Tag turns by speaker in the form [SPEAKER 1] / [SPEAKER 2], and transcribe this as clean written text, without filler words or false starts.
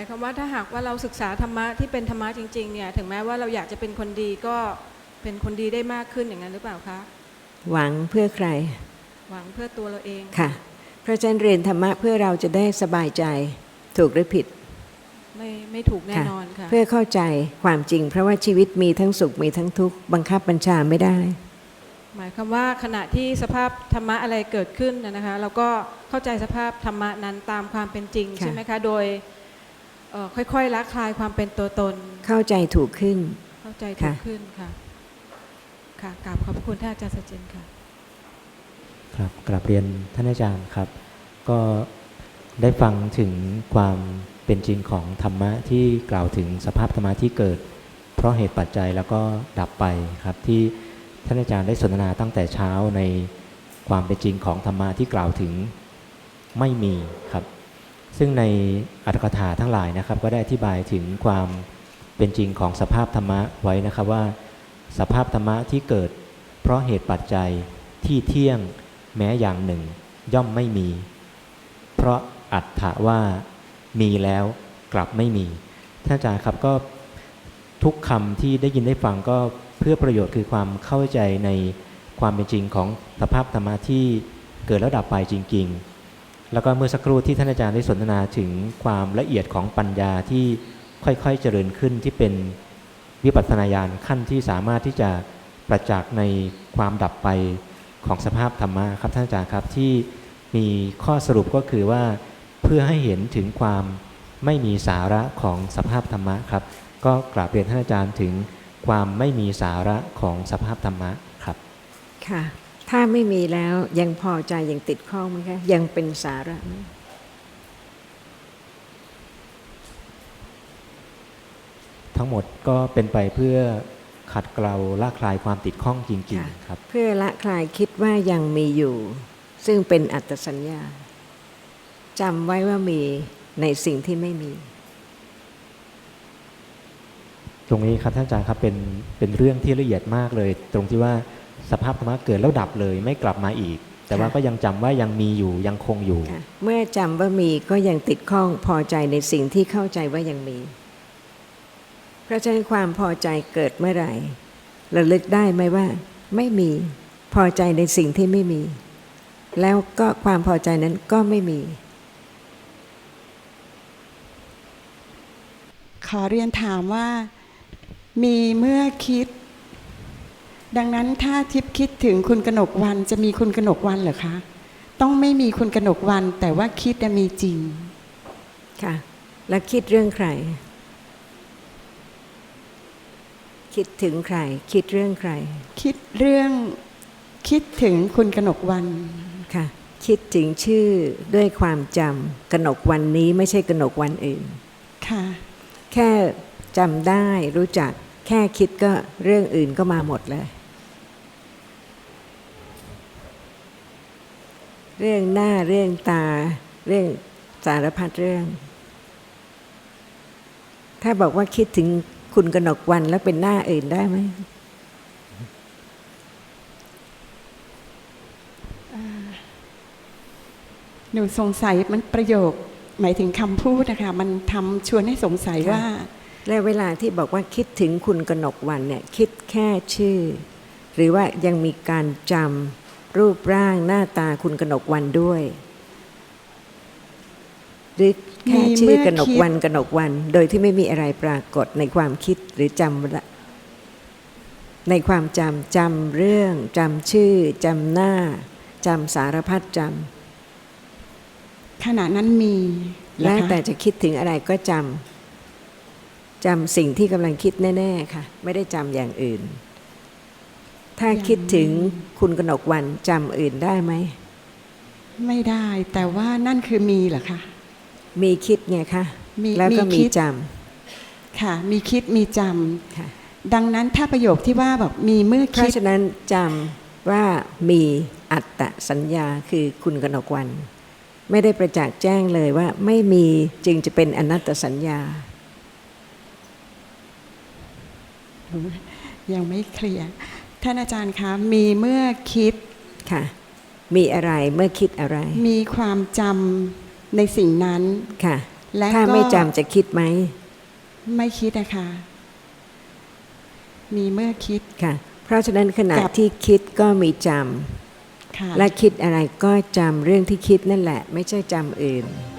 [SPEAKER 1] ายความว่าถ้าหากว่าเราศึกษาธรรมะที่เป็นธรรมะจริงๆเนี่ยถึงแม้ว่าเราอยากจะเป็นคนดีก็เป็นคนดีได้มากขึ้นอย่างนั้นหรือเปล่าคะ
[SPEAKER 2] หวังเพื่อใคร
[SPEAKER 1] หวังเพื่อตัวเราเอง
[SPEAKER 2] ค่ะเพราะฉะนั้นเรียนธรรมะเพื่อเราจะได้สบายใจถูกหรือผิด
[SPEAKER 1] ไม่ถูกแน่นอนค่ะ
[SPEAKER 2] เพื่อเข้าใจความจริงเพราะว่าชีวิตมีทั้งสุขมีทั้งทุกข์บังคับบัญชาไม่ได้
[SPEAKER 1] หมายความว่าขณะที่สภาพธรรมะอะไรเกิดขึ้นนะคะเราก็เข้าใจสภาพธรรมะนั้นตามความเป็นจริงใช่ไหมคะโดยค่อยๆละคลายความเป็นตัวตน
[SPEAKER 2] เข้าใจถูกขึ้น
[SPEAKER 1] เข้าใจถูกขึ้นค่ะค่ะกราบขอบคุณท่านอาจารย์สัจจินค่ะ
[SPEAKER 3] ครับกราบเรียนท่านอาจารย์ครับก็ได้ฟังถึงความเป็นจริงของธรรมะที่กล่าวถึงสภาพธรรมะที่เกิดเพราะเหตุปัจจัยแล้วก็ดับไปครับที่ท่านอาจารย์ได้สนทนาตั้งแต่เช้าในความเป็นจริงของธรรมะที่กล่าวถึงไม่มีครับซึ่งในอรรถกถาทั้งหลายนะครับก็ได้อธิบายถึงความเป็นจริงของสภาพธรรมะไว้นะครับว่าสภาพธรรมะที่เกิดเพราะเหตุปัจจัยที่เที่ยงแม้อย่างหนึ่งย่อมไม่มีเพราะอัตถะว่ามีแล้วกลับไม่มีท่านอาจารย์ครับก็ทุกคำที่ได้ยินได้ฟังก็เพื่อประโยชน์คือความเข้าใจในความเป็นจริงของสภาพธรรมะที่เกิดแล้วดับไปจริงๆแล้วก็เมื่อสักครู่ที่ท่านอาจารย์ได้สนทนาถึงความละเอียดของปัญญาที่ค่อยๆเจริญขึ้นที่เป็นวิปัสสนาญาณขั้นที่สามารถที่จะประจักษ์ในความดับไปของสภาพธรรมะครับท่านอาจารย์ครับที่มีข้อสรุปก็คือว่าเพื่อให้เห็นถึงความไม่มีสาระของสภาพธรรมะครับก็กราบเรียนท่านอาจารย์ถึงความไม่มีสาระของสภาพธรรมะครับ
[SPEAKER 2] ค่ะถ้าไม่มีแล้วยังพอใจยังติดข้องไหมคะยังเป็นสาระไหม
[SPEAKER 3] ทั้งหมดก็เป็นไปเพื่อขัดเกลาละคลายความติดข้องจริงๆครับ
[SPEAKER 2] เพื่อละคลายคิดว่ายังมีอยู่ซึ่งเป็นอัตตสัญญาจำไว้ว่ามีในสิ่งที่ไม่มี
[SPEAKER 3] ตรงนี้ครับท่านอาจารย์ครับเป็นเรื่องที่ละเอียดมากเลยตรงที่ว่าสภาพธรรมะเกิดแล้วดับเลยไม่กลับมาอีกแต่ว่าก็ยังจำว่ายังมีอยู่ยังคงอยู่
[SPEAKER 2] เมื่อจำว่ามีก็ยังติดข้องพอใจในสิ่งที่เข้าใจว่ายังมีเพราะฉะนั้นความพอใจเกิดเมื่อไหร่ระลึกได้ไหมว่าไม่มีพอใจในสิ่งที่ไม่มีแล้วก็ความพอใจนั้นก็ไม่มี
[SPEAKER 4] ขอเรียนถามว่ามีเมื่อคิดดังนั้นถ้าทิพย์คิดถึงคุณกนกวรรณจะมีคุณกนกวรรณเหรอคะต้องไม่มีคุณกนกวรรณแต่ว่าคิดมีจริง
[SPEAKER 2] ค่ะแล้วคิดเรื่องใครคิดถึงใครคิดเรื่องใคร
[SPEAKER 4] คิดถึงคุณกนกวรรณ
[SPEAKER 2] ค่ะคิดถึงชื่อด้วยความจำกนกวรรณนี้ไม่ใช่กนกวรรณอื่น
[SPEAKER 4] ค่ะ
[SPEAKER 2] แค่จำได้รู้จักแค่คิดก็เรื่องอื่นก็มาหมดเลยเรื่องหน้าเรื่องตาเรื่องสารพัดเรื่องถ้าบอกว่าคิดถึงคุณกนกวรรณแล้วเป็นหน้าอื่นได้ไหม
[SPEAKER 4] หนูสงสัยมันประโยคหมายถึงคำพูดนะคะมันทำชวนให้สงสัยว่า
[SPEAKER 2] และเวลาที่บอกว่าคิดถึงคุณกนกวรรณเนี่ยคิดแค่ชื่อหรือว่ายังมีการจำรูปร่างหน้าตาคุณกนกวรรณด้วยหรือแค่ชื่อกนกวรรณโดยที่ไม่มีอะไรปรากฏในความคิดหรือจำในความจำเรื่องจำชื่อจำหน้าจำสารพัดจ
[SPEAKER 4] ำขณะนั้นมี
[SPEAKER 2] แล้วแต่จะคิดถึงอะไรก็จำสิ่งที่กำลังคิดแน่ๆค่ะไม่ได้จำอย่างอื่นถ้าคิดถึงคุณกนกวรรณจำอื่นได้ไหม
[SPEAKER 4] ไม่ได้แต่ว่านั่นคือมีเหรอคะ
[SPEAKER 2] มีคิดไงคะแล้วก็มีจ
[SPEAKER 4] ำค่ะมีคิดมีจำดังนั้นถ้าประโยคที่ว่าแบบมีเมื่อคิดเพ
[SPEAKER 2] ราะฉะนั้นจำว่ามีอัตตสัญญาคือคุณกนกวรรณไม่ได้ประจักษ์แจ้งเลยว่าไม่มีจึงจะเป็นอนัตตสัญญา
[SPEAKER 4] ยังไม่เคลียร์ท่านอาจารย์คะมีเมื่อคิด
[SPEAKER 2] ค่ะมีอะไรเมื่อคิดอะไร
[SPEAKER 4] มีความจำในสิ่งนั้น
[SPEAKER 2] ค่ะ
[SPEAKER 4] และ
[SPEAKER 2] ถ้า
[SPEAKER 4] ก็
[SPEAKER 2] ไม่จำจะคิดไหม
[SPEAKER 4] ไม่คิดนะคะมีเมื่อคิด
[SPEAKER 2] ค่ะ เพราะฉะนั้นขณะ
[SPEAKER 4] กับ
[SPEAKER 2] ที่คิดก็มีจ
[SPEAKER 4] ค่ะ
[SPEAKER 2] ำและคิดอะไรก็จำเรื่องที่คิดนั่นแหละ ไม่ใช่จำอื่น